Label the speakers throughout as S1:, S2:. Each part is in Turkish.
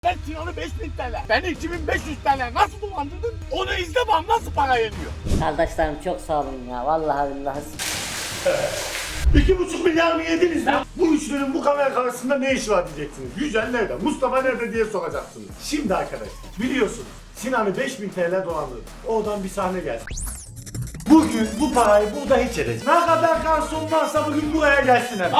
S1: Ben Sinan'ı 5000 TL, beni 2500 TL nasıl dolandırdın? Onu izle bak nasıl para yeniyor.
S2: Kardeşlerim çok sağ olun ya. Vallahi billahi.
S1: 2,5 milyar mı yediniz lan? Bu üçlünün bu kamera karşısında ne işi var diyeceksiniz. Yücel nerede? Mustafa nerede diye soracaksınız. Şimdi arkadaşlar biliyorsunuz Sinan'ı 5000 TL dolandırdı. Oradan bir sahne geldi. Bugün bu parayı burada hiç edeceğiz. Ne kadar garson varsa bugün buraya gelsin hemen.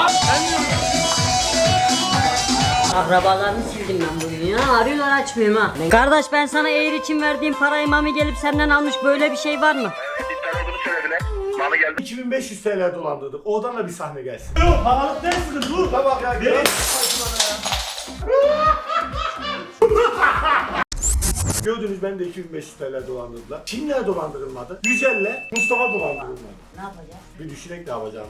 S2: Akrabalarını sildim ben bugün ya. Arıyorlar açmıyorum ha. Kardeş ben sana eğer için verdiğim parayı Mami gelip senden almış, böyle bir şey var mı?
S3: İptal olduğunu söylediler. Mami geldi.
S1: 2500 TL dolandırdık. Oradan da bir sahne gelsin. Yok paralık dersiniz dur. Tamam ya. Gördünüz ben de 2500 TL dolandırdılar. Kimler dolandırılmadı? Yücel'le Mustafa dolandırılmadı.
S2: Ne yapacağız?
S1: Bir düşünerek ne yapacağım.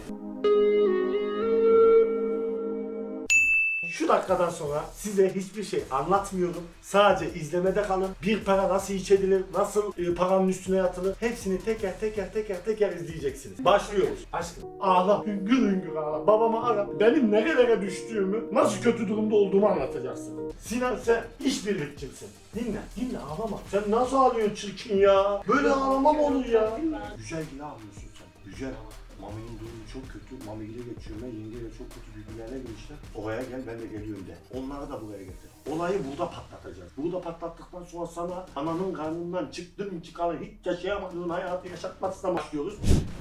S1: Şu dakikadan sonra size hiçbir şey anlatmıyorum. Sadece izlemede kalın. Bir para nasıl iç edilir, nasıl paranın üstüne yatılır hepsini teker izleyeceksiniz. Başlıyoruz. Aşkım ağla, hüngür hüngür ağla. Babamı ara. Benim nerelere düştüğümü, nasıl kötü durumda olduğumu anlatacaksın. Sinan sen işbirlikçimsin. Dinle ağlama. Sen nasıl ağlıyorsun çirkin ya? Böyle ağlama mı olur ya? Güzel gibi ağlıyorsun sen. Güzel. Mami'nin durumu çok kötü. Mami ile geçiyorum ben. Yengeyle çok kötü birbirlerine girmişler. Oraya gel ben de geliyorum de. Onları da buraya getir. Olayı burada patlatacağız. Burada patlattıktan sonra sana ananın karnından çıktın çıkalı hiç yaşayamadığın hayatı yaşatmasına başlıyoruz.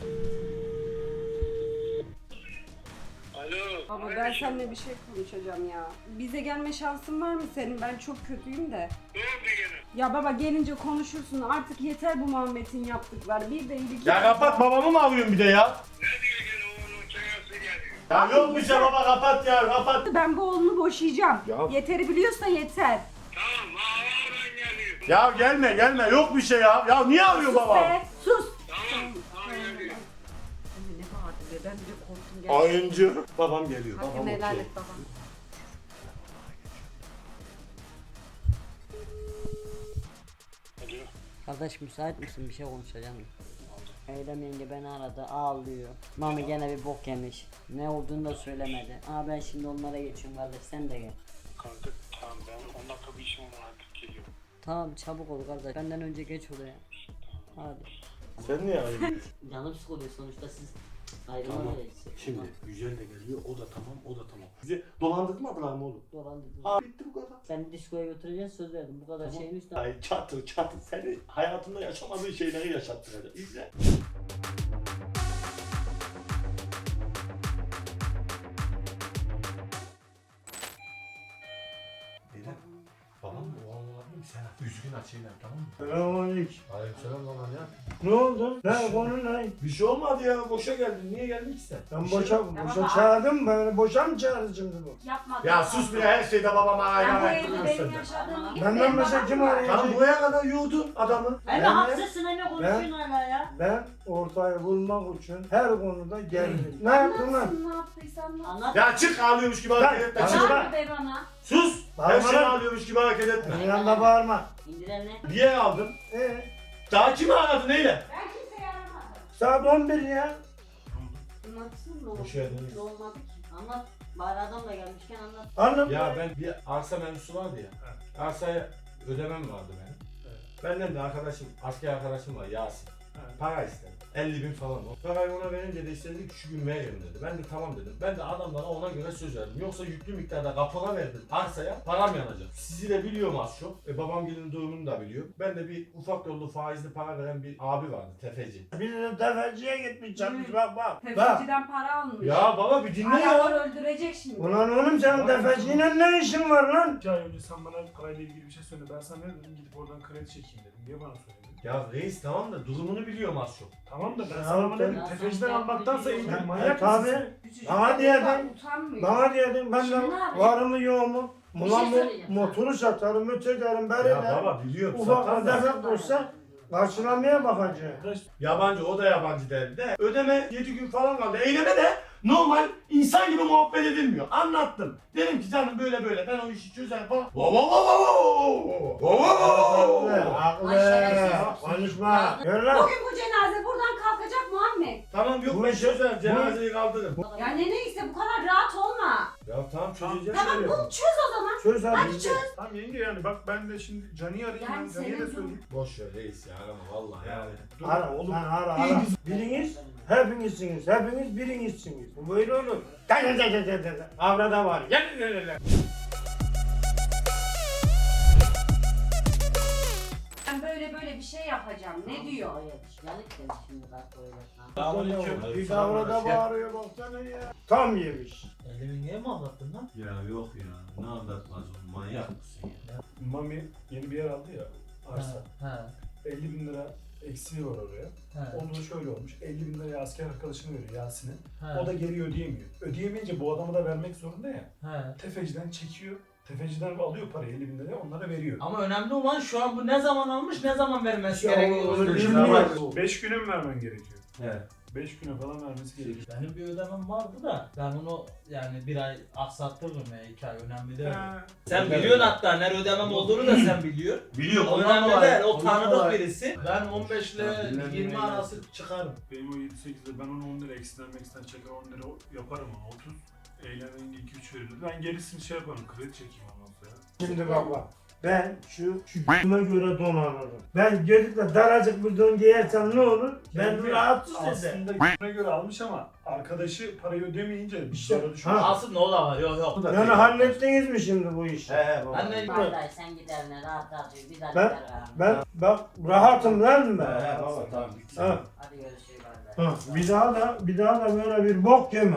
S3: Alo.
S4: Baba ben seninle bir şey konuşacağım ya. Bize gelme şansın var mı senin? Ben çok kötüyüm de.
S3: Ne oldu gene?
S4: Ya baba gelince konuşursun. Artık yeter bu Muhammed'in yaptıkları. Bir de iyilik.
S1: Ya kapat babamı mı arıyorsun bir de ya?
S3: Ne diyor gene oğlum çayası geliyor.
S1: Ya yok bir şey baba kapat ya kapat.
S4: Ben bu oğlunu boşayacağım.
S1: Ya.
S4: Yeteri biliyorsa yeter.
S3: Tamam ağlardan geliyor.
S1: Ya gelme yok bir şey ya. Ya niye arıyor babam?
S4: Be, sus.
S3: Tamam. Geliyor.
S4: Ne bağırdı be? Ben de korktum gerçekten.
S1: Oyuncu. Babam geliyor.
S4: Hakkını
S1: Babam
S4: helal
S1: okey.
S4: et babam.
S3: Alo.
S2: Kardeş müsait misin? Bir şey konuşacağım. Eylem yenge beni aradı, ağlıyor. Mami gene bir bok yemiş. Ne olduğunu da söylemedi. Ben şimdi onlara geçiyorum kardeş, sen de gel.
S3: Kanka tamam ben 10 dakika bir işim var artık geliyorum.
S2: Tamam çabuk ol kardeş, benden önce geç oraya. Hadi.
S1: Sen niye arıyorsun?
S2: Canım sıkılıyor sonuçta, siz
S1: Tamam.
S2: ayrılamayız.
S1: Şimdi Yücel de geliyor. O da tamam. Bizi dolandırmadılar mı oğlum?
S2: Dolandırdın.
S1: Aa bitti bu kadar.
S2: Seni diskoya götüreceğiz, söz verdim. Bu kadar şeyin üstüne.
S1: Ay çatır seni hayatında yaşamadığın şeyleri yaşattıracak. İzle. Neden? Babam mı? O olabilir sen üzgün açıyla tamam mı?
S5: Selamünaleyküm.
S1: Aleykümselam baba ya.
S5: Ne oldu? Ne konu ne?
S1: Bir şey olmadı ya. Boşa geldin. Niye geldin ki sen?
S5: Ben
S1: Bir şey
S5: boşa
S1: yok.
S5: boşa çağırdım beni. Boşa mı çağırdı şimdi bu?
S4: Yapma.
S1: Ya sus bir her şeyde babama
S4: Ben
S1: ayran
S4: bu evde
S1: ettiriyorsun
S4: benim
S1: sen.
S4: yaşadığımı gibi.
S5: Benden mesela kim arayacak?
S1: Tam buraya kadar yurdun adamı.
S2: Hem de
S5: Ben-
S2: haksızsın hem de konuşuyorsun hala ya.
S5: Ben ortaya bulmak için her konuda geldim. Ne yaptın lan?
S4: Ne yaptıysan ne
S2: Anlat.
S1: Ya çık ağlıyormuş gibi hareket etme.
S5: Lan,
S1: Çık.
S5: lan.
S4: be bana.
S1: Sus. Her
S5: Bağırma
S1: şey
S5: lan.
S1: ağlıyormuş gibi hareket etme.
S5: Benim yanında bağırma.
S2: İndir elini.
S1: Niye aldın? Daha kimi aradın neyle?
S4: Ben kimseyi aramadım.
S5: Saat 11 ya.
S4: Anlatsın mı?
S1: Hoş geldiniz.
S2: Ne olmadı ki? Anlat. Bari adam da gelmişken anlat.
S5: Anladın
S6: Ya
S5: mı?
S6: ben bir arsa mevzusu vardı ya. Arsaya ödemem vardı benim. Benden de arkadaşım, asker arkadaşım var Yasin. Para istedi. 50.000 falan o. Parayı ona verince de istedi ki şu gün verin dedi. Ben de tamam dedim. Ben de adamlara ona göre söz verdim. Yoksa yüklü miktarda kapora verdim arsaya, param yanacak. Sizi de biliyorum az çok. Babam gelin durumunu da biliyor. Ben de bir ufak yollu faizli para veren bir abi vardı, tefeci.
S5: Bir de tefeciye gitmiş çarpmış bak. Bak.
S4: Tefeciden para almış.
S1: Ya baba bir dinle
S4: Adamlar
S1: ya.
S4: öldürecek şimdi.
S5: Ulan oğlum senin tefeciyle ne işin var lan?
S7: 2 ay önce sen bana parayla ilgili bir şey söyle. Ben sana ne dedim? Gidip oradan kredi çekeyim dedim. Niye bana söyledin?
S1: Ya reis tamam da durumunu biliyorum az çok.
S7: Tamam da ben
S5: Ya
S7: sana
S5: sen-
S7: ne dedim? Tefeciden almaktansa iyi.
S5: Ya
S7: Manyak mısın
S5: tabii.
S7: sen?
S4: Küçücük
S5: Bana
S4: çocuk
S5: diyedin.
S4: var, Utanmıyor.
S5: Bana diyordun ben de
S2: Şimdi ne yapayım?
S5: var mı yok mu?
S2: Bir şey
S5: Ulan
S2: söyleyeceğim
S5: motoru satarım, öterim,
S1: Ya
S5: beririm.
S1: baba biliyorum.
S5: Ufak
S1: Satan da.
S5: defek olsa karşılamaya bakacağım.
S7: Arkadaş
S1: Yabancı o da yabancı derdi de. Ödeme 7 gün falan kaldı. Eyleme de normal insan gibi muhabbet edilmiyor. Anlattım. Dedim ki canım böyle ben o işi çözer falan.
S5: Haklı.
S2: şerefsiz.
S5: Konuşma. Gör lan.
S4: Bugün bu cenaze buradan kalkacak Muhammed.
S1: Tamam yok
S5: Bu
S1: ben
S5: işi-
S1: çözer cenazeyi kaldırırım.
S4: Ya neyse bu kadar rahat olma.
S6: Ya tamam çözeceğiz.
S4: Tamam
S6: şöyle
S4: bul
S6: yapalım.
S4: çöz o zaman.
S5: Çöz hadi.
S4: Hadi çöz.
S7: Tamam yenge yani bak ben de şimdi Cani'yi arayayım.
S4: Yani
S7: Ben Cani'ye de
S4: senin
S7: söyleyeyim.
S6: Boş ver reis ya arama vallahi yani.
S7: Dur.
S5: Ara oğlum. Ara. Biriniz hepinizsiniz. Hepiniz birinizsiniz. Bu böyle olur. Avrada var.
S4: Ben böyle bir şey yapacağım. Ne diyor?
S2: Yanık demiş şimdi bak böyle.
S6: Selamünaleyküm.
S5: Bir de avrada bağırıyor baksana ya. Tam yemiş.
S8: Elimi niye mi anlattın lan?
S6: Ya yok ya ne anlatmaz oğlum manyak mısın ya?
S7: Mami yeni bir yer aldı ya. Arsa.
S8: He.
S7: 50 bin lira eksiği var oraya.
S8: He.
S7: Onda da şöyle olmuş. 50 bin liraya asker arkadaşına veriyor Yasin'e.
S8: He.
S7: O da geri ödeyemiyor. Ödeyemeyince bu adamı da vermek zorunda ya.
S8: He.
S7: Tefeciden çekiyor. Tefeciden alıyor parayı 50 bin liraya onlara veriyor.
S8: Ama önemli olan şu an bu ne zaman almış, ne zaman vermesi
S5: Ya,
S8: gerekiyor.
S5: onu
S8: Öyle
S5: bilmiyorum.
S7: 5 güne mi vermen gerekiyor?
S6: He.
S7: 5 güne falan vermesi gerekiyor.
S8: Benim bir ödemem vardı da ben onu yani bir ay aksattırdım ya 2 ay önemli değil.
S7: Ha.
S8: Sen
S6: Ödemem.
S8: biliyorsun hatta ne ödemem olduğunu da sen biliyorsun.
S6: Biliyorum
S8: O
S6: ondan
S8: önemli
S6: dolayı.
S8: değil, o
S6: ondan
S8: tanıdık
S6: dolayı.
S8: birisi. Ben 15 ile
S6: Ha, bilmem
S8: 20
S6: ne
S8: arası çıkarım.
S7: Benim o 7-8'de ben onu 10 lira eksiden çeker 10 lira yaparım onu 30. Eğlenmeyince 2-3 verirdi. Ben gerisini şey yaparım kredi çekeyim ondan sonra.
S5: Şimdi bak. Ben şu güme göre don alırım. Ben gelip de daracık bir don giyersem ne olur? Ben
S7: Çünkü
S5: rahatsız ederim.
S7: aslında güne göre almış ama arkadaşı parayı ödemeyince dışarı düşüyor.
S5: Ha.
S8: Asıl ne ola var, yok.
S5: Yani hallettiniz mi şimdi bu işi?
S6: He baba.
S8: Ben de
S2: Vallahi sen gider ne rahat rahat uyu. Bir daha
S5: Ben-
S2: gider ha.
S5: Ben bak rahatım lan ben.
S6: He baba tamam.
S5: Ha.
S2: Hadi görüşürüz kardeş.
S5: Ha. Bir daha da böyle bir bok yeme.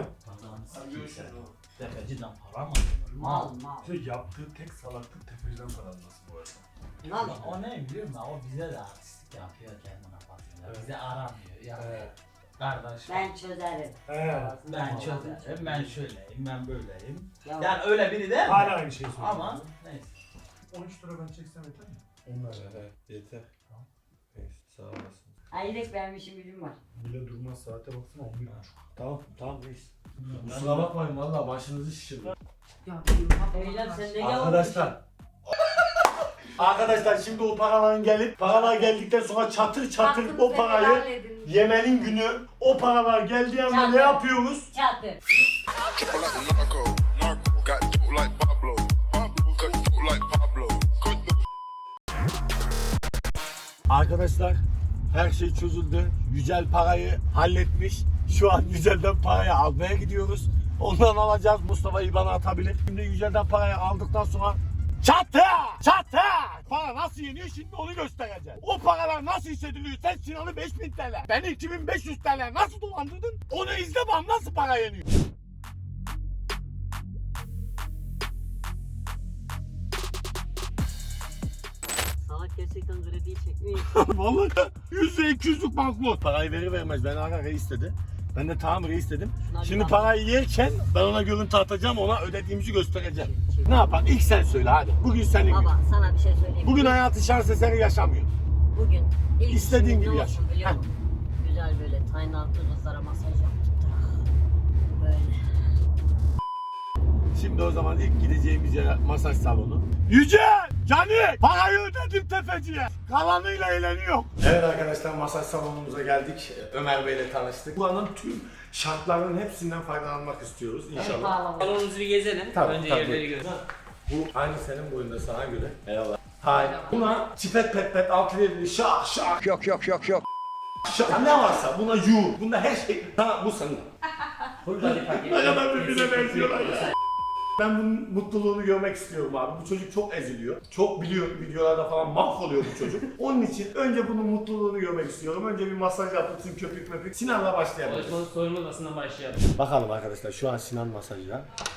S8: Tefeciden para mı?
S2: Mal mal.
S7: İşte yaptığı tek salaklık tefeciden para alması bu arada.
S2: Mal.
S8: O ne biliyor musun? O bize de artistlik yapıyor kendine bakıyor.
S7: Evet.
S8: Bize aramıyor. Yani
S7: Evet.
S8: kardeş
S2: Ben çözerim.
S7: He.
S8: ben çözerim, ben şöyleyim, ben böyleyim.
S2: Ya,
S8: Yani öyle biri değil mi?
S7: Hala aynı şeyi söylüyor.
S8: Ama neyse.
S7: 13 lira ben çeksem yeter mi?
S6: Onlar he yeter. Neyse sağ olasın.
S2: Ayrık vermişim gücüm var.
S7: Bile durmaz saate baksana 11.30.
S6: Tamam reis. Kusura bakmayın valla başınızı şişirdim.
S4: Ya benim
S2: Eylem sen ne
S1: Arkadaşlar. Arkadaşlar şimdi o paraların paralar geldikten sonra çatır çatır o parayı yemenin günü o paralar geldiği anda ne yapıyoruz?
S2: Çatır.
S9: Triple like a narco, got dope like Pablo, cut dope like Pablo, cut the
S1: Arkadaşlar her şey çözüldü. Yücel parayı halletmiş. Şu an Yücel'den parayı almaya gidiyoruz. Ondan alacağız. Mustafa IBAN'a atabilir. Şimdi Yücel'den parayı aldıktan sonra çatı! Çatı! Para nasıl yeniyor şimdi onu göstereceğim. O paralar nasıl hissediliyor? Sen Sinan'ı 5000 TL, beni 2500 TL nasıl dolandırdın? Onu izle bak nasıl para yeniyor.
S2: Salak gerçekten krediyi çekmiyor.
S1: Vallahi %200'lük banknot. Parayı verir vermez beni ara reis dedi. Ben de tamam reis dedim. Şimdi parayı yerken ben ona görüntü atacağım, ona ödediğimizi göstereceğim. Ne yapalım? İlk sen söyle hadi. Bugün senin gün.
S2: Baba sana bir şey söyleyeyim.
S1: Bugün hayatı şans eseri yaşamıyor.
S2: Bugün ilk
S1: İstediğin
S2: işimiz
S1: gibi
S2: ne
S1: yaş.
S2: olsun biliyor musun? Güzel böyle tayın altı kızlara masaj yaptırdık. Böyle.
S1: Şimdi o zaman ilk gideceğimiz yer masaj salonu. Yücel! Canik! Parayı ödedim tefeciye. Kalanıyla eğleniyor. Evet arkadaşlar masaj salonumuza geldik. Ömer Bey'le tanıştık. Buranın tüm şartlarının hepsinden faydalanmak istiyoruz inşallah.
S10: Salonumuzu bir gezelim.
S1: Tabii,
S10: Önce
S1: tabii.
S10: yerleri görelim.
S1: Bu aynı senin boyunda sana göre. Eyvallah. Hayır. Buna çipet pet pet altı verili şak şak.
S9: Yok.
S1: Şak ne varsa buna yuh. Bunda her şey. Ha bu senin. Ne kadar birbirine benziyorlar ya. Ben bunun mutluluğunu görmek istiyorum abi. Bu çocuk çok eziliyor. Çok biliyor videolarda falan mahvoluyor bu çocuk. Onun için önce bunun mutluluğunu görmek istiyorum. Önce bir masaj yapılsın köpük möpük. Sinan'la başlayalım.
S10: Çalışmanın soyunma odasından başlayalım.
S1: Bakalım arkadaşlar şu an Sinan masajda.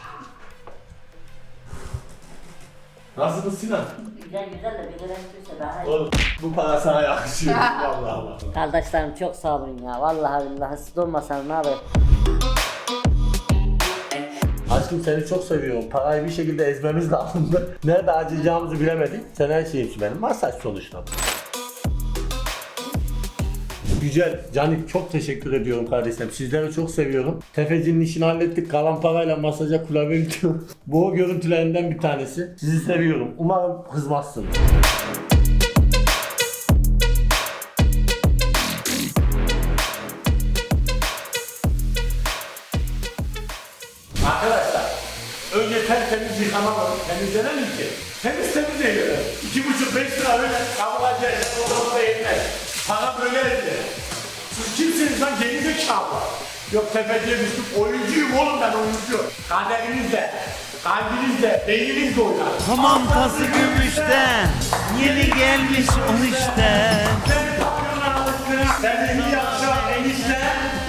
S1: Nasılsın Sinan?
S2: Güzel güzel de bir de daha iyi.
S1: Oğlum bu para sana yakışıyor. Vallahi.
S2: Kardeşlerim çok sağ olun ya. Vallahi billahi siz olmasanız ne haber?
S1: Aşkım seni çok seviyorum. Parayı bir şekilde ezmemiz lazımdı. Nerede harcayacağımızı bilemedik. Sen her şeyimsin benim. Masaj sonuçta. Güzel. Canik çok teşekkür ediyorum kardeşim. Sizleri çok seviyorum. Tefecinin işini hallettik. Kalan parayla masaja kulağa gidiyorum. Bu o görüntülerinden bir tanesi. Sizi seviyorum. Umarım kızmazsınız. Arkadaşlar Önce tertemiz yıkamalı. Temizlenemem ki. Temiz eğlenelim. 2,5-5 lira öyle kabulacağız. Orada yetmez. Para böyle edilir. Siz kimsiniz lan gerizekalı? Yok tepeciye düştüm. Oyuncuyum oğlum ben oyuncu. Kaderinizle, kalbinizle, beyninizle oynar.
S11: Hamam tası gümüşten, yeni gelmiş on işten.
S1: Sen papyona alıştın. Sen iyi yapacağım enişte.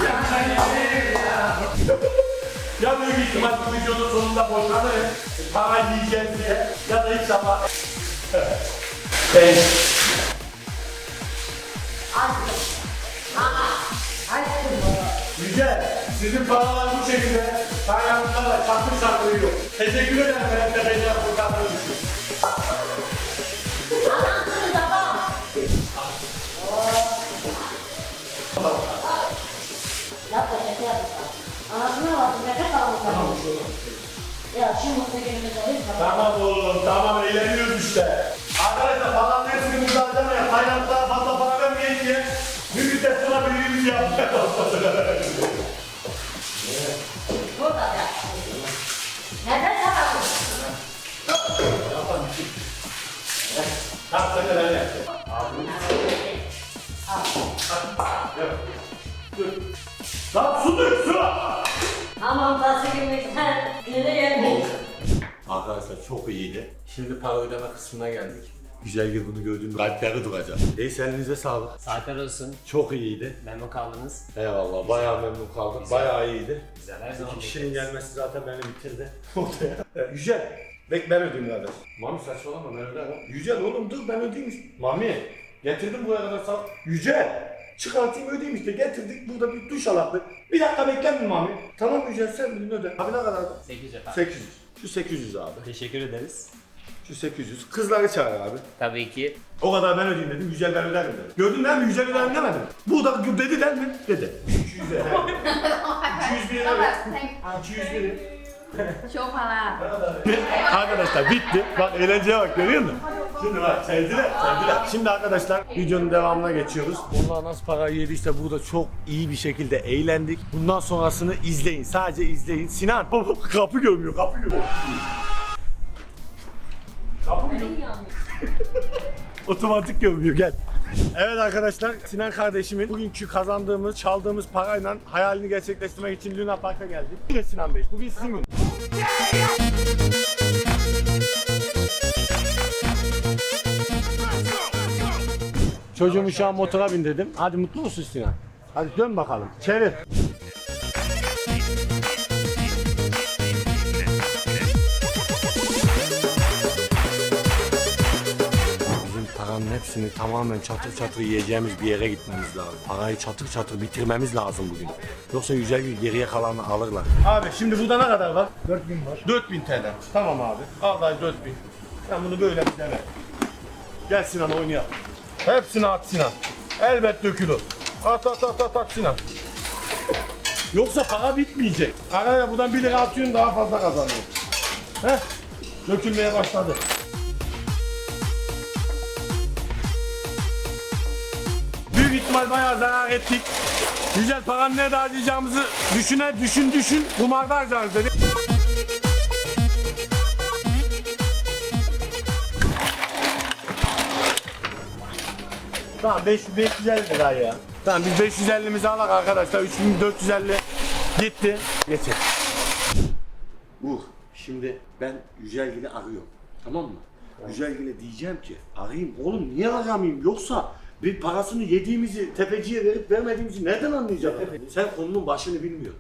S1: Ya büyük ihtimal bu videonun sonunda boşanırım. Para yiyeceğiz diye. Ya da inşallah. Ben... Güzel. Sizin paralar bu şekilde. Kaynaklarla çatır çatır yiyor. Teşekkür ederim. Ben de beni kurtardığınız için.
S2: Yapma şaka yapma. Anasına bak, nefes almış. Ya şu mutlu günümüzde lütfen.
S1: Tamam oğlum, tamam eğleniyoruz işte. Arkadaşlar paranın hepsini burada harcamayın. Kaynaklara fazla para vermeyin diye bir müddet sonra birbirimizi yapmaya başladık.
S2: Burada ya. Nefes alalım.
S1: Tamam sen de ben yapacağım. Lan su dök su!
S2: Hamam tası gümüşten, yeni gelmiş.
S1: Arkadaşlar çok iyiydi. Şimdi para ödeme kısmına geldik. Güzel bir bunu gördüğüm kalpleri duracak. Neyse elinize sağlık.
S10: Saatler olsun.
S1: Çok iyiydi.
S10: Memnun kaldınız.
S1: Eyvallah bayağı memnun kaldım. Bayağı iyiydi.
S10: Güzel her zaman.
S1: İki kişinin gelmesi zaten beni bitirdi. Yücel. Ben ödeyeyim kardeş. Mami saçmalama ben ödemem. Yücel oğlum dur ben ödeyeyim. Mami getirdim buraya kadar sağ. Yücel. Çıkartayım ödeyeyim işte getirdik burada bir duş alaktık. Bir dakika bekler mi Mami? Tamam Yücel sen bilin öde. Abi ne kadar?
S10: 8 efendim.
S1: 800. Şu 800 abi.
S10: Teşekkür ederiz.
S1: Şu 800. Kızları çağır abi.
S10: Tabii ki.
S1: O kadar ben ödeyeyim dedim. Yücel ben öderim dedim. Gördün değil mi? Yücel öderim demedim. Bu da dedi der mi? Dedi. 200 lira. 200 bin lira. 200 lira.
S4: Çok para.
S1: Arkadaşlar bitti. Bak eğlenceye bak görüyor musun? Şimdi bak sevdiler. Şimdi arkadaşlar videonun devamına geçiyoruz. Onlar nasıl parayı yediyse burada çok iyi bir şekilde eğlendik. Bundan sonrasını izleyin. Sadece izleyin. Sinan kapı görmüyor. Kapı mı görmüyor? Otomatik görmüyor gel. Evet arkadaşlar Sinan kardeşimin bugünkü kazandığımız, çaldığımız parayla hayalini gerçekleştirmek için Luna Park'a geldik. Bugün Sinan Bey, bugün sizin gününüz. Çocuğumu şu an motora bindirdim. Hadi mutlu musun Sinan? Hadi dön bakalım. Çevir. Paranın hepsini tamamen çatır çatır yiyeceğimiz bir yere gitmemiz lazım. Parayı çatır çatır bitirmemiz lazım bugün. Yoksa güzel bir geriye kalanı alırlar. Abi şimdi burada ne kadar var?
S5: 4000 var.
S1: 4000 TL. Tamam abi. Vallahi 4000. Sen bunu böyle bir dene. Gel Sinan oynayalım. Hepsini at Sinan. Elbet dökülür. At Sinan. Yoksa para bitmeyecek. Araya buradan 1 lira atıyorsun daha fazla kazanıyor. Heh. Dökülmeye başladı. Büyük ihtimal bayağı zarar ettik. Güzel paranın nerede harcayacağımızı düşün. Kumarda harcarız dedik. Tamam 550 lira ya. Tamam biz 550'mizi alak arkadaşlar. 3450 gitti. Geçin. Şimdi ben Yücelgil'i arıyorum. Tamam mı? Yücelgil'e diyeceğim ki arayayım. Oğlum niye aramayayım? Yoksa bir parasını yediğimizi tepeciye verip vermediğimizi nereden anlayacak? Sen konunun başını bilmiyorsun.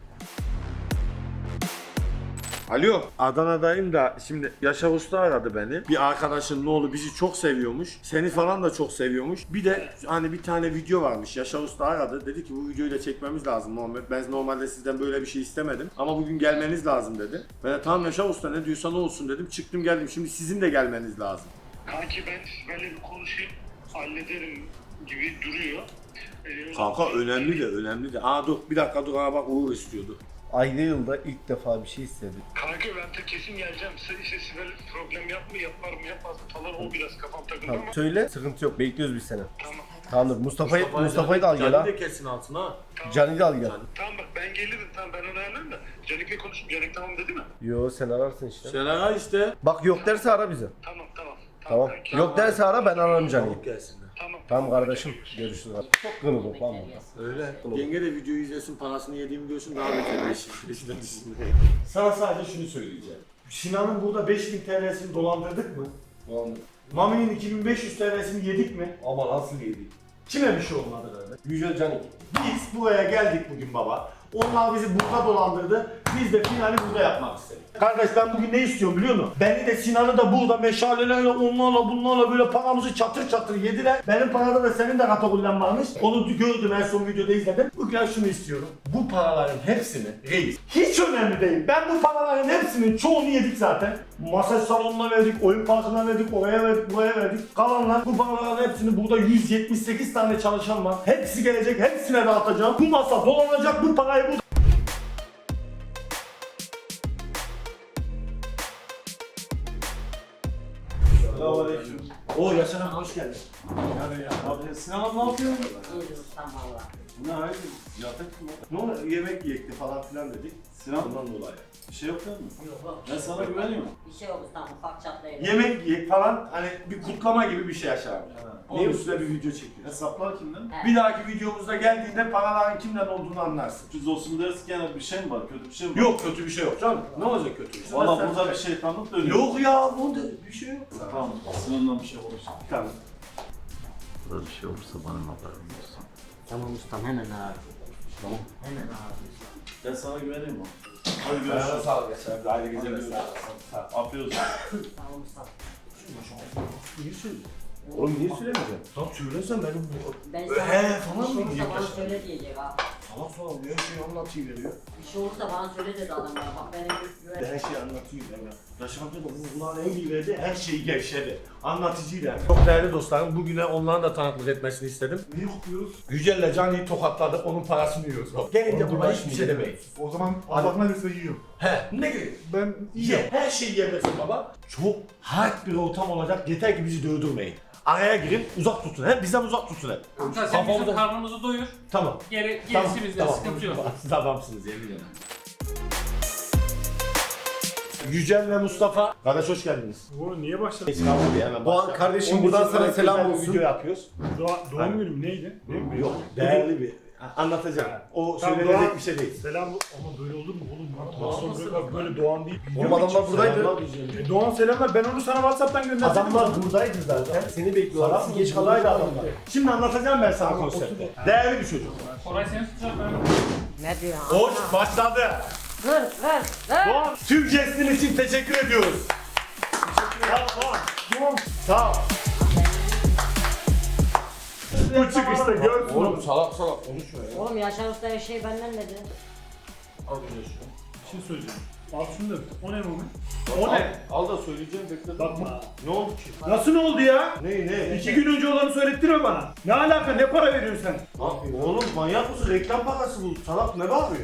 S1: Alo. Adana'dayım da şimdi Yaşar Usta aradı beni. Bir arkadaşın oğlu bizi çok seviyormuş. Seni falan da çok seviyormuş. Bir de hani bir tane video varmış. Yaşar Usta aradı. Dedi ki bu videoyu da çekmemiz lazım Muhammed. Ben normalde sizden böyle bir şey istemedim. Ama bugün gelmeniz lazım dedi. Ben de tamam Yaşar Usta ne diyorsan o olsun dedim. Çıktım geldim. Şimdi sizin de gelmeniz lazım.
S3: Kanki ben böyle bir konuşayım, hallederim gibi duruyor.
S1: Kanka önemli de. Aa dur bir dakika dur bak Uğur istiyordu.
S5: Ayda yılda ilk defa bir şey istedim.
S3: Kanka ben de kesin geleceğim. İşte Sibel problem yapar mı yapmaz mı falan o biraz kafam takıldı ama.
S5: Söyle, sıkıntı yok. Bekliyoruz biz seni.
S3: Tamam.
S5: Tamamdır. Mustafa'yı da al gel ha.
S1: Canı de kesin altına ha.
S5: Can'ı da al gel.
S3: Tamam bak ben Ben gelirim tamam ben onu ayarlarım da. Canik'le konuştum. Canik tamam dedi mi?
S12: Yo sen ararsın işte.
S6: Sen ara işte.
S12: Bak yok derse ara bizi.
S3: Tamam.
S12: Tamam.
S3: kanki.
S12: Yok derse ara ben ararım Can'ı.
S6: Gelsinler.
S12: Tamam kardeşim. Görüşürüz. Çok kırıldık lan burada.
S6: Öyle. Yenge de videoyu izlesin, parasını yediğimi görsün daha beter peşinden düşsün.
S1: Sana sadece şunu söyleyeceğim. Sinan'ın burada 5000 TL'sini dolandırdık mı? Mami'nin 2500 TL'sini yedik mi?
S12: Ama nasıl yedik?
S1: Kime bir şey olmadı öyle?
S12: Yücel Can'ı.
S1: Biz buraya geldik bugün baba. Onlar bizi burada dolandırdı. Biz de finali burada yapmak istedik. Kardeş ben bugün ne istiyorum biliyor musun? Beni de Sinan'ı da burada meşalelerle onlarla bunlarla böyle paramızı çatır çatır yediler. Benim parada da senin de katakullen varmış. Onu gördüm en son videoda izledim. Bugün şunu istiyorum. Bu paraların hepsini reis. Hiç önemli değil. Ben bu paraların hepsinin çoğunu yedik zaten. Masaj salonuna verdik, oyun parkına verdik, oraya verdik, buraya verdik. Kalanlar bu paraların hepsini burada 178 tane çalışan var. Hepsi gelecek, hepsine dağıtacağım. Bu masa dolanacak, bu parayı bu.
S6: Selamünaleyküm.
S1: Oo Yaşar abi hoş geldin.
S6: Abi Sinan abi ne yapıyorsun?
S2: İyiyiz ustam valla.
S6: Ne hayır? Yatak mı?
S1: Ne oldu? Yemek yiyekti falan filan dedik.
S6: Sinan
S1: Ondan dolayı.
S6: bir şey yok değil mi?
S2: Yok.
S6: Ben sana güveniyorum.
S2: Bir şey yok ustam ufak çatlayın.
S1: Yemek yiyek falan hani bir kutlama gibi bir şey Yaşar abi.
S6: Onun
S1: Niye
S6: üstüne
S1: üstüne bir video çekiyoruz?
S6: Hesaplar kimden?
S1: Bir dahaki videomuzda geldiğinde paraların kimden olduğunu anlarsın.
S6: Sürpriz olsun dersin yani bir şey mi var? Kötü bir şey mi var?
S1: Yok kötü bir şey yok canım. Ne olacak kötü bir şey?
S6: Valla
S1: Sen-
S6: burada bir şeytanlık dönüyor.
S1: Yok ya burada bir şey yok.
S6: Tamam. Sinan'dan bir şey konuşalım.
S1: Tamam.
S11: Burada bir şey olursa bana haberin olsun.
S2: Tamam ustam hemen ara.
S11: Tamam.
S2: Hemen ara.
S6: Ben sana güveneyim mi? Hadi
S1: Ayağına
S6: görüşürüz.
S1: sağlık Yaşar abi. Hadi geceler.
S6: Afiyet olsun.
S2: Tamam ustam.
S1: Niye söylüyorsun? Oğlum niye söylemeyeceğim? Tamam söylesen benim
S2: Ben
S1: falan
S2: sana
S1: mı
S2: bir şey
S1: diyecek
S2: olursa bana
S1: Yaşar?
S2: söyle diyecek ha.
S1: Salak salak her şeyi anlatıveriyor.
S2: Bir şey olursa bana söyle dedi adam ya. Bak benim güven.
S1: Her şeyi anlatıyor ya. Yaşar amca da bu kulağına en iyi verdi, her şeyi gevşedi. Anlatıcıydı. Çok değerli dostlarım, bugüne onların da tanıklık etmesini istedim. Ne yapıyoruz? Yücel'le Can'ı tokatladık, onun parasını yiyoruz. Gelince buna hiçbir şey demeyiz.
S7: O zaman Allah'ına lütfen yiyorum.
S1: He, ne gerek?
S7: Ben
S1: Ye, her şeyi yemesin baba. Çok hard bir ortam olacak, yeter ki bizi dövdürmeyin. Araya girin, uzak tutun. Hep bizden uzak tutun hep.
S13: Kanka sen bizim karnımızı doyur.
S1: Tamam.
S13: Gerisi bizde sıkıntı yok.
S1: Tamamsınız yemin ederim. Yücel ve Mustafa. Kardeş hoş geldiniz.
S7: Bu niye başladın?
S12: Doğan kardeşim buradan sana selam olsun.
S1: Video yapıyoruz.
S7: Doğum günüm neydi? Ne?
S1: Yok, değerli bir. Anlatacağım. O
S7: Tamam,
S1: söylenecek
S7: Doğan.
S1: bir şey değil.
S7: Selam ama böyle olur mu oğlum? Nasıl bırak böyle Doğan deyip
S12: Oğlum adamlar buradaydı.
S7: Doğan selamlar ben onu sana Whatsapp'tan gönderdim.
S1: Adamlar buradaydı zaten.
S12: Seni bekliyorlar.
S1: Salak geç kalaydı adamlar. Şimdi anlatacağım ben sana konsepti. Değerli bir çocuk.
S13: Koray seni tutacak ben.
S2: Ne diyor?
S1: Hoş başladı.
S2: Ver.
S1: Doğan, tüm jestin için teşekkür ediyoruz. Doğan. Sağ ol. Bu çıkışta görsün.
S12: Oğlum salak salak konuşma ya.
S2: Oğlum Yaşar Usta her şey benden dedi.
S6: Al bir de şunu.
S7: Bir şey söyleyeceğim. Al şunu da. O ne moment?
S1: O ne?
S6: Al da söyleyeceğim bekle.
S7: Bakma.
S1: Ne oldu ki?
S7: Nasıl ne oldu ya?
S1: Ne?
S7: 2 gün önce olanı söylettirme bana. Ne alaka? Ne para veriyorsun sen?
S1: Oğlum manyak mısın? Reklam parası bu. Salak ne bağırıyor?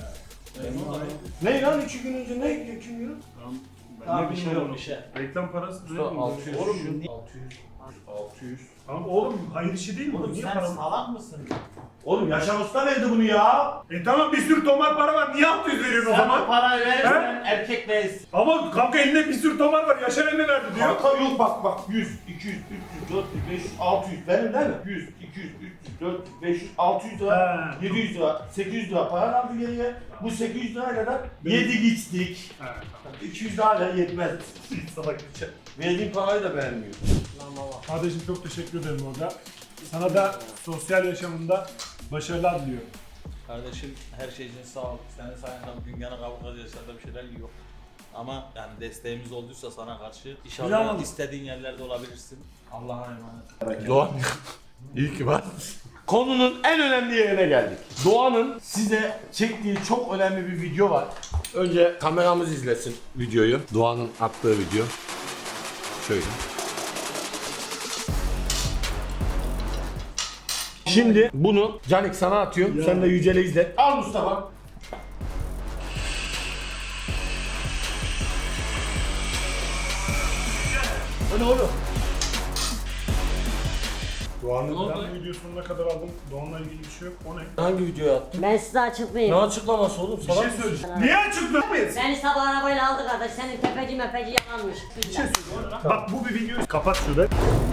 S1: Ne lan 2 gün önce ne 2 gün?
S7: Tamam,
S8: bir şey yok bir şey.
S7: Reklam parası ne?
S6: 600.
S1: Oğlum
S6: 600.
S7: Tamam oğlum hayır işi değil mi?
S8: Oğlum
S7: Niye
S8: sen
S7: para?
S8: salak mısın?
S1: Oğlum Yaşar Usta verdi bunu ya.
S7: Tamam bir sürü tomar para var. Niye 600 veriyorsun o zaman?
S8: Parayı verirsen erkek değilsin.
S7: Ama kanka elinde bir sürü tomar var. Yaşar emmi verdi diyor.
S1: Kanka yok bak 100, 200, 300, 400, 500, 600 benim değil mi? 100, 200, 300, 400, 500, 600 lira, 700 lira, 800 lira para kaldı geriye. Bu 800 lirayla da yedik içtik. 200 lirayla yetmez.
S7: Salak içe.
S1: Verdiğim parayı da beğenmiyor.
S7: Kardeşim çok teşekkür ederim orada. Sana da sosyal yaşamında başarılar diliyorum.
S8: Kardeşim her şey için sağ ol. Senin sayende bugün yana kavga yaşlarda bir şeyler yok. Ama yani desteğimiz olduysa sana karşı inşallah
S7: Güzel.
S8: istediğin yerlerde olabilirsin. Allah'a emanet.
S1: Doğan, iyi ki var. Konunun en önemli yerine geldik. Doğan'ın size çektiği çok önemli bir video var. Önce kameramız izlesin videoyu. Doğan'ın attığı video. Şöyle. Şimdi bunu Canik sana atıyorum. Sen de Yücel'e izlet. Al Mustafa. O ne oğlum?
S6: Doğan'ın
S7: Ben bu video sonuna kadar aldım. Doğan'la ilgili bir şey yok. O ne?
S6: hangi videoyu attın?
S2: Ben size açıklayayım.
S6: Ne açıklaması oğlum?
S7: Bir şey söyleyeceğim. Niye açıklamayız?
S2: Beni sabah arabayla aldı kardeş. Senin tepeci mepeci yalanmış.
S7: Bir şey söyleyeceğim. Bak bu bir video. Kapat şurada.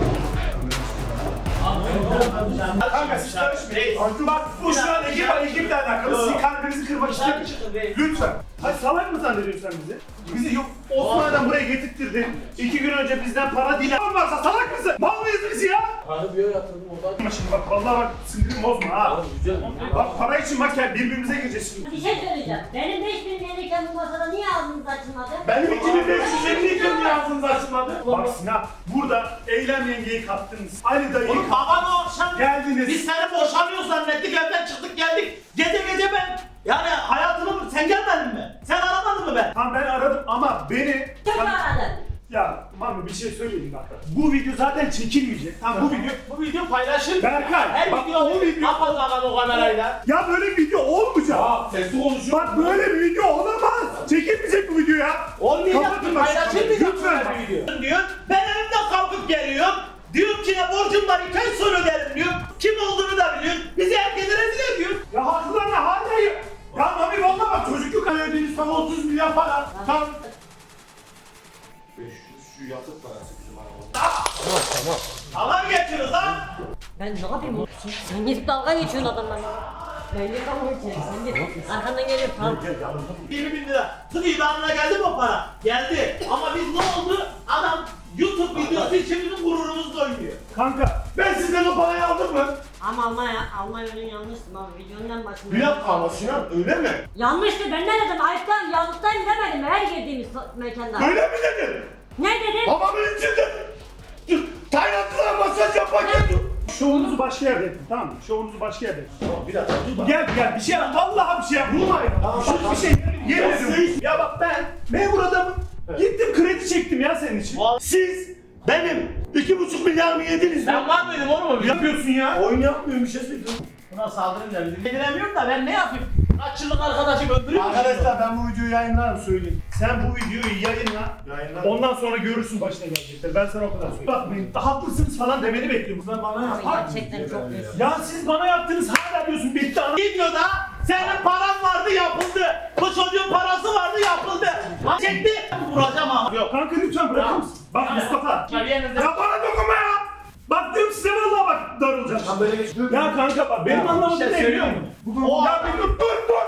S7: Kanka siz karışmayın. Bak bu şu an ekiple alakalı. Sizin kalbinizi kırmak istemiyorum. Lütfen. Hayır salak mı zannediyorsun sen bizi? Bizi yok Osman'dan buraya getirttirdin. 2 gün önce bizden para değil. Varsa salak mısın? Mal mıyız biz ya?
S6: Hani bir yatırdım oradan.
S7: Şimdi bak vallahi bak sinirimi bozma ha. Bak para için bak ya birbirimize gireceğiz şimdi.
S2: Bir şey söyleyeceğim. Benim 5000 gelirken bu masada niye ağzınız açılmadı?
S7: Benim 2550 ağzınız açılmadı. Bak Sinan burada Eylem yengeyi kattınız. Ali dayıyı
S8: Oğlum babam o akşam
S7: geldiniz.
S8: biz seni boşanıyor zannettik, evden çıktık geldik. Gece ben yani hayatımı sen gelmedin mi? Sen aramadın mı ben?
S7: Tamam ben aradım ama beni...
S2: Kim aradı?
S7: Ya Mami bir şey söyleyeyim bak. Bu video zaten çekilmeyecek. Tamam
S8: Bu video paylaşır.
S7: Berkay,
S8: Her
S7: bak,
S8: video
S7: o video-
S8: kapat lan o kamerayla.
S7: Ya böyle bir video olmayacak.
S8: Sesli konuşuyor.
S7: Bak böyle bir video olamaz. Çekilmeyecek bu video ya.
S8: Olmayacak
S7: Kapatın
S8: mı?
S7: bak.
S8: Paylaşır mıyız
S7: Lütfen.
S8: bu video? Diyor. Ben evimden kalkıp geliyorum. Diyorum ki ne borcum var 2 ay sonra öderim diyor. Kim olduğunu da biliyor. Bizi herkese rezil ediyor.
S7: Ya haklılar ne hala ya. Ya Mami valla bak çocukluk ödediğiniz sana 30 milyar para. Tamam.
S6: 500 şu yatık parası bizim arabada.
S8: Dalga mı geçiyoruz lan?
S2: Ben ne yapayım oğlum? Sen gidip dalga geçiyorsun adamlarla. Ben niye dalga geçiyorum? Sen git. Arkandan geliyor tam.
S8: 20 bin lira. Tık ilanına geldi mi o para? Geldi. Ama biz ne oldu? Adam YouTube videosu için bizim gururumuzla oynuyor.
S7: Kanka ben sizden o parayı aldım mı?
S2: Ama Almanya ürün yanlıştı abi. Videonun başında.
S6: Bir dakika ama Sinan öyle mi?
S2: Yanlıştı ben ne dedim? Ayıptan yanlıştayım demedim mi? Her girdiğimiz mekanda.
S7: Öyle mi dedin?
S2: Ne dedim?
S7: Babamın içinde. Taylandlılar masaj yaparken. Şovunuzu başka yerde yapın tamam mı? Şovunuzu başka yerde yapın.
S6: Tamam bir dakika dur bak.
S7: Gel bir şey yap. Vallahi bir şey yap. Vurmayın. Bir şey yemin ediyorum. Ya bak ben memur adamım. Gittim kredi çektim ya senin için. Siz benim 2,5 milyar mı yediniz?
S8: Sen var mıydın oğlum?
S7: Yapıyorsun ya. Oyun yapmıyorum bir şey söylüyorum.
S8: Buna saldırın da bizi bildiremiyorum da ben ne yapayım? Kaç yıllık arkadaşım öldürüyor musun?
S7: Arkadaşlar ben bu videoyu yayınlarım söyleyeyim. Sen bu videoyu yayınla. Ondan sonra görürsün başına gelecekler. Ben sana o kadar söyleyeyim. Bakmayın haklısınız falan demeni bekliyorum. Sen bana yap.
S2: Gerçekten çok büyük.
S7: Ya siz bana yaptınız hala diyorsun bitti ana.
S8: Videoda senin paran vardı yapıldı. Bu çocuğun parası vardı yapıldı. Çekti. Vuracağım ama. Yok.
S7: Kanka lütfen bırakır mısın? Bak Mustafa. Ya bana dokunma ya. Bak diyorum size vallahi bak darılacağım. Ya kanka bak benim anlamadığım ne biliyor musun? Ya bir dur.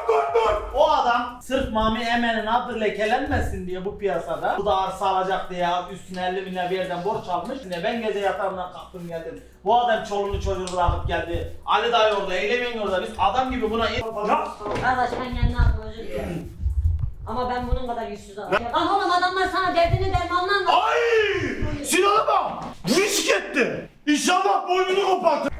S8: O adam sırf Mami Emen'in adı lekelenmesin diye bu piyasada bu da arsa alacak diye üstüne 50 bin lira bir yerden borç almış. Şimdi ben gece yatağımdan kalktım geldim. Bu adam çoluğunu çocuğunu bırakıp geldi. Ali dayı orada, Eylemin orada. Biz adam gibi buna...
S7: Ya.
S2: Kardeş ben kendine adım özür dilerim. Ama ben bunun kadar yüzsüz adamım. Lan oğlum adamlar sana derdini dermanla anlatıyor.
S7: Ay! Sinan'a bak! Risk etti. İnşallah boynunu kopartır.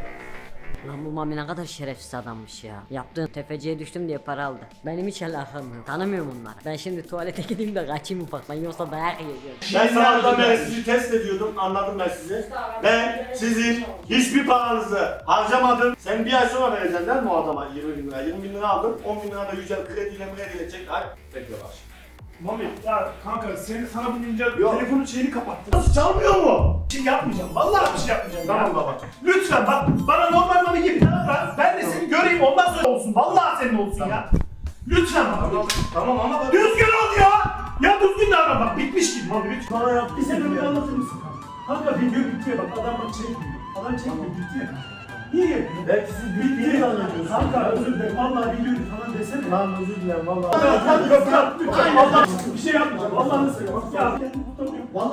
S2: Lan bu Mami ne kadar şerefsiz adammış ya. Yaptığın tefeciye düştüm diye para aldı. Benim hiç alakam yok. Tanımıyorum onları. Ben şimdi tuvalete gideyim de kaçayım ufaktan yoksa dayak yiyeceğim.
S1: Ben sabahtan beri sizi test ediyordum, anladım ben sizi. Ben sizin hiçbir paranızı harcamadım. Sen bir ay sonra vereceksin değil mi o adama 20 bin lira? 20 bin lira aldım, 10 bin lira da yücel krediyle çek. Ay, bekle bak.
S7: Mami ya kanka sana binince
S1: Yok.
S7: telefonun şeyini kapattın.
S1: Nasıl çalmıyor mu?
S7: Bir şey yapmayacağım. Vallahi bir şey yapmayacağım.
S1: Tamam
S7: ya.
S1: baba.
S7: Lütfen bak bana normal Mami gibi davran. Ben de seni göreyim ondan sonra olsun. Vallahi senin olsun ya. Lütfen Mami.
S1: Tamam ama bak.
S7: Düzgün ol ya. Ya düzgün davran bak bitmiş gibi Mami lütfen. Bana yap. Bir sebebini anlatır mısın kanka? Kanka video bitti bak adam bak çekmiyor. Adam çekmiyor bitti ya. Niye yapıyorsun?
S1: Belki siz bittiğini zannediyorsunuz.
S7: Kanka özür dilerim. Vallahi biliyorum falan desene.
S1: Lan özür dilerim vallahi.
S7: Kanka lütfen. Vallahi bir şey yapmayacağım. Vallahi nasıl ya? Bak ya. Vallahi.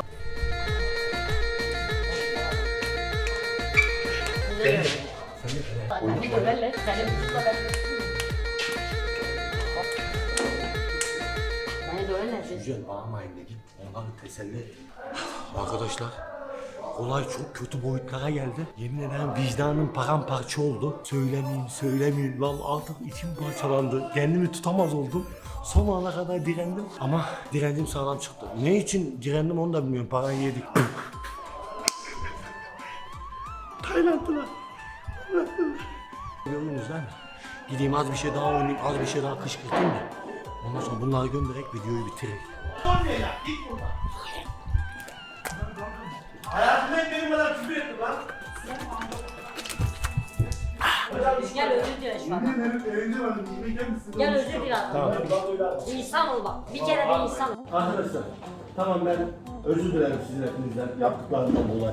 S6: Güzel bağırmayın da git onları teselli et. Arkadaşlar olay çok kötü boyutlara geldi. Yemin ederim vicdanım paramparça oldu. Söylemeyeyim lan artık içim parçalandı. Kendimi tutamaz oldum. Son ana kadar direndim ama direndim sağlam çıktı. Ne için direndim onu da bilmiyorum. Parayı yedik. Taylandlılar. Görüyorsunuz değil mi? Gideyim az bir şey daha oynayayım, az bir şey daha kışkırtayım da. Ondan sonra bunları göndererek videoyu bitireyim.
S8: Olmayacak. Git buradan. Hayatımda benim kadar küfür ettim lan.
S2: kardeş bana.
S7: Evinde vardı. Yemek misin?
S2: Gel özür dile.
S1: Tamam.
S2: İnsan ol bak. Bir kere de insan ol.
S1: Arkadaşlar tamam ben özür dilerim sizin hepinizden yaptıklarından dolayı.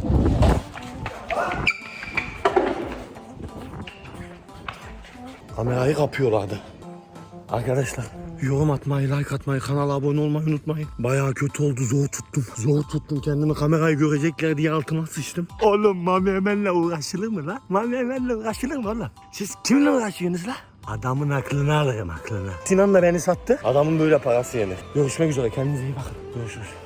S1: Kamerayı kapıyorlardı. Arkadaşlar yorum atmayı, like atmayı, kanala abone olmayı unutmayın. Bayağı kötü oldu, zor tuttum. Zor tuttum kendimi, kamerayı görecekler diye altıma sıçtım. Oğlum Mami Emel'le uğraşılır mı lan? Mami Emel'le uğraşılır mı oğlum? Siz kiminle uğraşıyorsunuz lan? Adamın aklını alırım aklını. Sinan da beni sattı. Adamın böyle parası yenir. Görüşmek üzere, kendinize iyi bakın. Görüşürüz.